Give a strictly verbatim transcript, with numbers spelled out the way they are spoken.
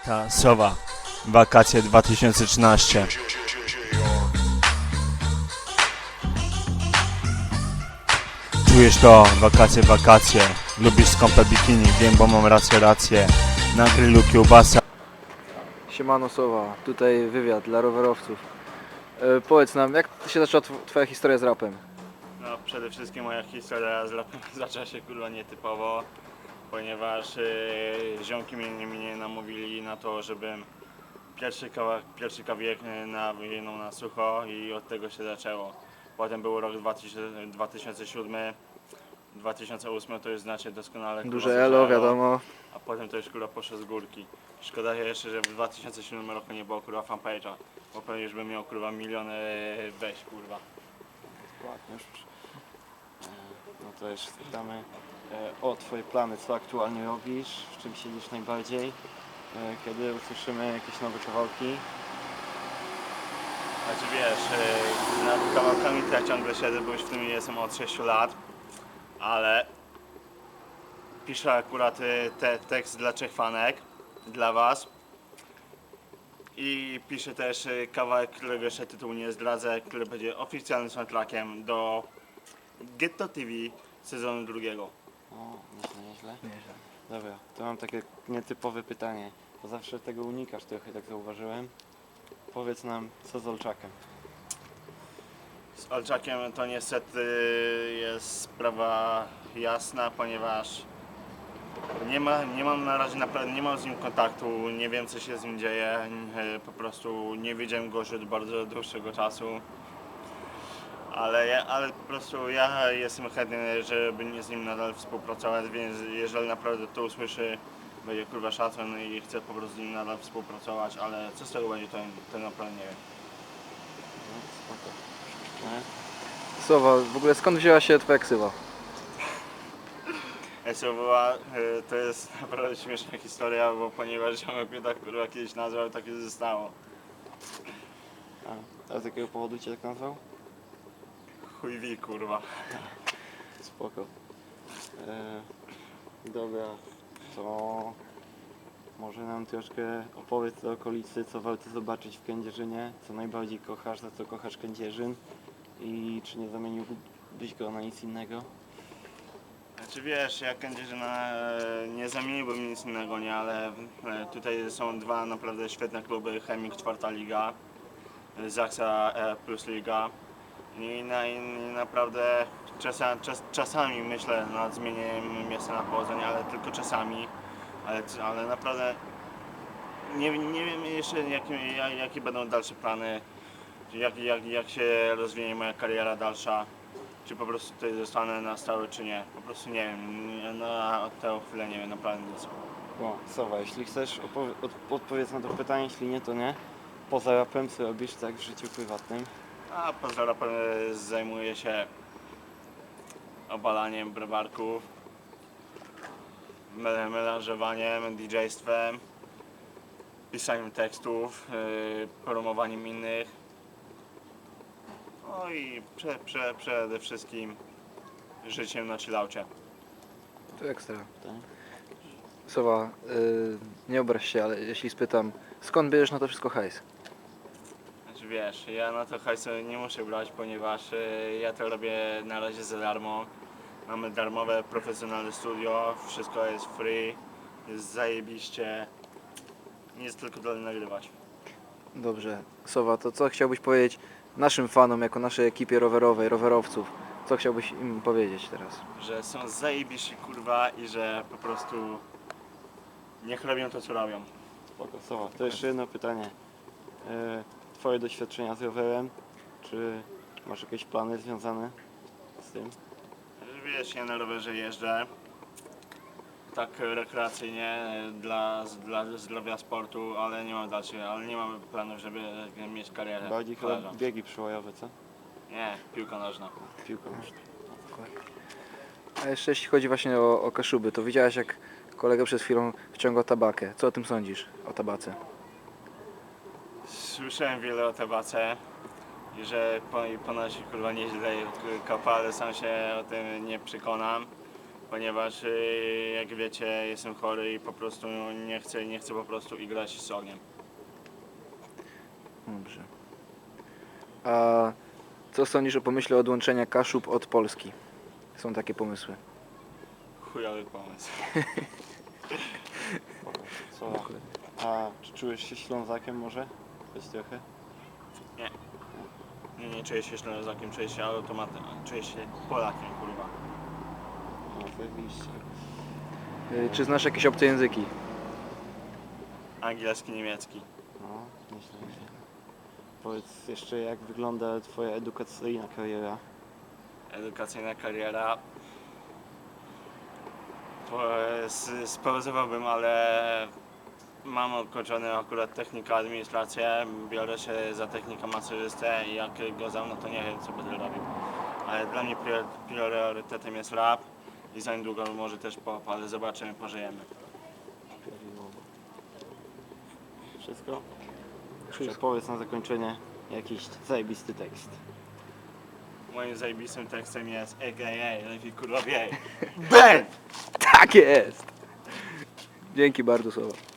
Ta Sowa, wakacje dwa tysiące trzynaście. Czujesz to? Wakacje, wakacje. Lubisz skąpe bikini, wiem, bo mam rację, rację. Na grillu kiełbasa. Siemano Sowa, tutaj wywiad dla rowerowców. E, powiedz nam, jak się zaczęła tw- twoja historia z rapem? No przede wszystkim moja historia z rapem zaczęła się kurwa nietypowo, ponieważ yy, ziomki mnie, mnie namówili na to, żebym pierwszy, kawałek, pierwszy kawałek nawinął na sucho i od tego się zaczęło. Potem był rok dwa tysiące siódmy, dwa tysiące ósmy to już znacie doskonale. kurwa, Duże elo, wiadomo. A potem to już kurwa poszło z górki. Szkoda jeszcze, że w dwa tysiące siódmym roku nie było kurwa fanpage'a, bo pewnie już bym miał kurwa miliony wejść kurwa. Ładnie już. E, No to jeszcze spytamy e, o Twoje plany, co aktualnie robisz, w czym siedzisz najbardziej, e, kiedy usłyszymy jakieś nowe kawałki. Znaczy wiesz, yy, nad kawałkami to ja ciągle siedzę, bo już w tym jestem od sześciu lat, ale piszę akurat yy, te, tekst dla trzech fanek, dla was i piszę też yy, kawałek, którego jeszcze tytułu nie zdradzę, który będzie oficjalnym soundtrackiem do Ghetto T V sezonu drugiego. O, nieźle, nieźle. Dobra, to mam takie nietypowe pytanie, bo zawsze tego unikasz trochę, tak zauważyłem. Powiedz nam, co z Olczakiem? Z Olczakiem to niestety jest sprawa jasna, ponieważ nie, ma, nie mam na razie naprawdę, nie mam z nim kontaktu, nie wiem co się z nim dzieje, e, po prostu nie widziałem go już od bardzo dłuższego czasu. Ale, ja, ale po prostu ja jestem chętny, żeby nie z nim nadal współpracować, więc jeżeli naprawdę to usłyszy, będzie kurwa szacun i chcę po prostu z nim nadal współpracować, ale co z tego będzie, to, to naprawdę nie wiem. No, spoko. E? Sowa, w ogóle skąd wzięła się twoja ksywa? Esowa, to jest naprawdę śmieszna historia, bo ponieważ ziomek mnie tak kurwa kiedyś nazwał, tak już zostało. A, a z jakiego powodu Cię tak nazwał? Chuj wi kurwa. Spoko. E, dobra, to może nam troszkę opowiedz o okolicy, co warto zobaczyć w Kędzierzynie, co najbardziej kochasz, za co kochasz Kędzierzyn i czy nie zamieniłbyś go na nic innego? Znaczy wiesz, ja Kędzierzyna e, nie zamieniłbym nic innego, nie, ale e, tutaj są dwa naprawdę świetne kluby, Chemik czwarta liga, e, Zaksa e, plus liga i, na, i naprawdę czasa, czas, czasami myślę nad zmienieniem miejsca na powodzenie, ale tylko czasami, ale, ale naprawdę nie, nie wiem jeszcze jakie, jak, jakie będą dalsze plany, jak, jak, jak się rozwinie moja kariera dalsza. Czy po prostu tutaj zostanę na stałe, czy nie. Po prostu nie wiem, nie- na tę chwilę nie wiem, naprawdę nic. O, Sowa, jeśli chcesz, opowie- od, odpowiedz na to pytanie, jeśli nie, to nie. Poza rapem, co robisz tak w życiu prywatnym? A poza rapem e, zajmuję się obalaniem browarków, mel- melanżowaniem, didżejstwem, pisaniem tekstów, yy, promowaniem innych. No i prze, prze, przede wszystkim życiem na chillaucie. To ekstra. Tak? Sowa, y, nie obraź się, ale jeśli spytam, skąd bierzesz na to wszystko hajs? Znaczy wiesz, ja na to hajsu nie muszę brać, ponieważ y, ja to robię na razie za darmo. Mamy darmowe, profesjonalne studio, wszystko jest free, jest zajebiście. Nic tylko dalej nagrywać. Dobrze. Sowa, to co chciałbyś powiedzieć naszym fanom, jako naszej ekipie rowerowej, rowerowców? Co chciałbyś im powiedzieć teraz? Że są zajebiści kurwa i że po prostu niech robią to co robią. Spoko, Sowa. To jeszcze jedno pytanie. E, twoje doświadczenia z rowerem, czy masz jakieś plany związane z tym? Wiesz, ja na rowerze jeżdżę. Tak rekreacyjnie dla, dla zdrowia sportu, ale nie mam dalszych, ale nie mam planów, żeby mieć karierę. Bardziej chyba kolarza. biegi przełajowe, co? Nie, piłka nożna. Piłka nożna. A jeszcze jeśli chodzi właśnie o, o Kaszuby, to widziałeś jak kolega przed chwilą wciągał tabakę. Co o tym sądzisz, o tabace? Słyszałem wiele o tabace i że po- ponoć kurwa nieźle kapa, ale sam się o tym nie przekonam. ponieważ y, jak wiecie jestem chory i po prostu nie chcę, nie chcę po prostu igrać z ogniem. Dobrze. A co sądzisz o pomyśle odłączenia Kaszub od Polski? Są takie pomysły. Chujowy pomysł. Co? A czy czujesz się Ślązakiem może? Choć trochę? Nie, nie czuję się Ślązakiem, czuję się automatem, czuję się Polakiem, kurwa. No zajebiście. Y, Czy znasz jakieś obce języki? Angielski, niemiecki. No, myślę, że... Powiedz jeszcze, jak wygląda twoja edukacyjna kariera? Edukacyjna kariera. Po- s- Spauzowałbym, ale mam ukończony akurat technikę administrację, biorę się za technika masażystę i jak go zamknę, to nie wiem, co będę robił. Ale dla mnie prior- priorytetem jest rap i za niedługo może też pop, ale zobaczymy, pożyjemy. Wszystko? Jeszcze powiedz na zakończenie jakiś zajebisty tekst. Moim zajebistym tekstem jest A K A lepiej kurwa wiej. Ben! Tak jest! Dzięki bardzo, słowa.